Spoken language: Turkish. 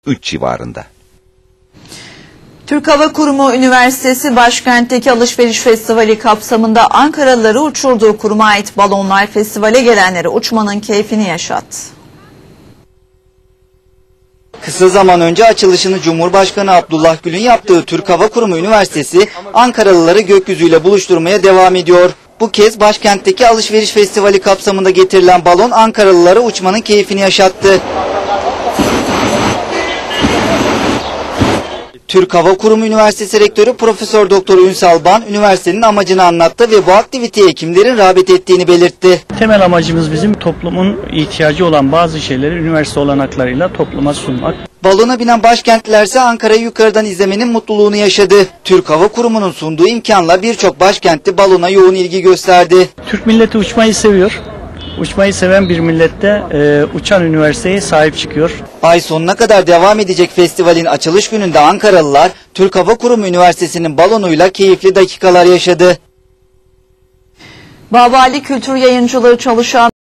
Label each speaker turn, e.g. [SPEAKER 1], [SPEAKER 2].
[SPEAKER 1] 3 civarında.
[SPEAKER 2] Türk Hava Kurumu Üniversitesi başkentteki alışveriş festivali kapsamında Ankaralıları uçurduğu kuruma ait balonlar festivale gelenlere uçmanın keyfini yaşattı.
[SPEAKER 3] Kısa zaman önce açılışını Cumhurbaşkanı Abdullah Gül'ün yaptığı Türk Hava Kurumu Üniversitesi Ankaralıları gökyüzüyle buluşturmaya devam ediyor. Bu kez başkentteki alışveriş festivali kapsamında getirilen balon Ankaralılara uçmanın keyfini yaşattı. Türk Hava Kurumu Üniversitesi Rektörü Profesör Doktor Ünsal Ban, üniversitenin amacını anlattı ve bu aktiviteye kimlerin rağbet ettiğini belirtti.
[SPEAKER 4] Temel amacımız bizim toplumun ihtiyacı olan bazı şeyleri üniversite olanaklarıyla topluma sunmak.
[SPEAKER 3] Balona binen başkentlilerse Ankara'yı yukarıdan izlemenin mutluluğunu yaşadı. Türk Hava Kurumu'nun sunduğu imkanla birçok başkentli balona yoğun ilgi gösterdi.
[SPEAKER 4] Türk milleti uçmayı seviyor. Uçmayı seven bir millette uçan üniversiteye sahip çıkıyor.
[SPEAKER 3] Ay sonuna kadar devam edecek festivalin açılış gününde Ankaralılar Türk Hava Kurumu Üniversitesi'nin balonuyla keyifli dakikalar yaşadı.
[SPEAKER 2] Babali Kültür Yayıncılığı çalışan